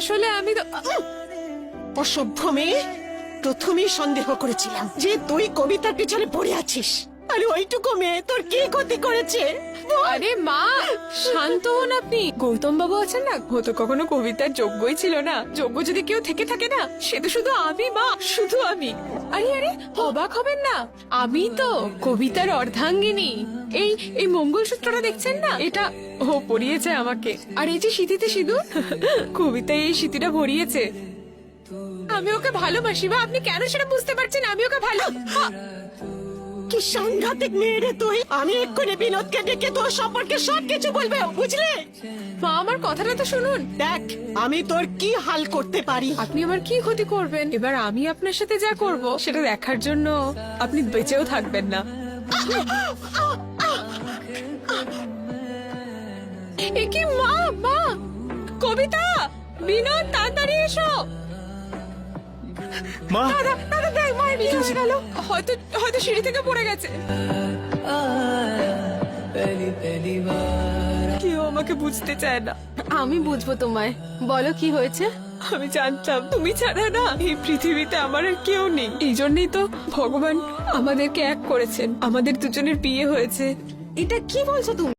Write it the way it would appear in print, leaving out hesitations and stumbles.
আসলে আমি তো অসভ্য মেয়ে, প্রথমেই সন্দেহ করেছিলাম যে তুই কবিতার পিছনে পড়ে আছিস। আরে ওইটুকু মেয়ে তোর কি ক্ষতি করেছে? আরে মা, শান্ত হন আপনি। গৌতম বাবু আছেন না, ও তো কখনো কবিতার যোগ্যই ছিল না। যোগ্য যদি কেউ থেকে থাকে না, সে তো শুধু আমি মা, শুধু আমি। আরে আরে, অবাক হবেন না, আমি তো কবিতার অর্ধাঙ্গিনী। এই এই মঙ্গলসূত্রটা দেখছেন না, এটা ও পরিয়েছে আমাকে। আর এই যে সিঁথিতে সিঁদুর, কবিতায় এই সিঁথিটা ভরিয়েছে। আমি ওকে ভালোবাসি বা আপনি কেন সেটা বুঝতে পারছেন? আমি ওকে ভালো কি সাংঘাতিক মেয়ে রে তুই। আমি এক্ষুনি বিনোদকে ডেকে তোর সম্পর্কে সবকিছু বলবে, বুঝলে? মা, আমার কথাটা তো শুনুন। দেখ আমি তোর কি হাল করতে পারি। আপনি আমার কি ক্ষতি করবেন? এবার আমি আপনার সাথে যা করব সেটা দেখার জন্য আপনি বেঁচেও থাকবেন না। এ কি মা, মা, কবিতা, বিনোদ, তাড়াতাড়ি এসো। মা, দাদা দাদা, দেখ মায়ের বিয়ে হয়ে গেল। হয়তো হয়তো সিঁড়ি থেকে পড়ে গেছে। কেউ আমাকে বুঝতে চায় না। আমি বুঝবো তোমায়। বলো কি হয়েছে? আমি জানতাম তুমি ছাড়া না এই পৃথিবীতে আমার আর কেউ নেই। এই জন্যই তো ভগবান আমাদেরকে এক করেছেন, আমাদের দুজনের বিয়ে হয়েছে। এটা কি বলছো তুমি?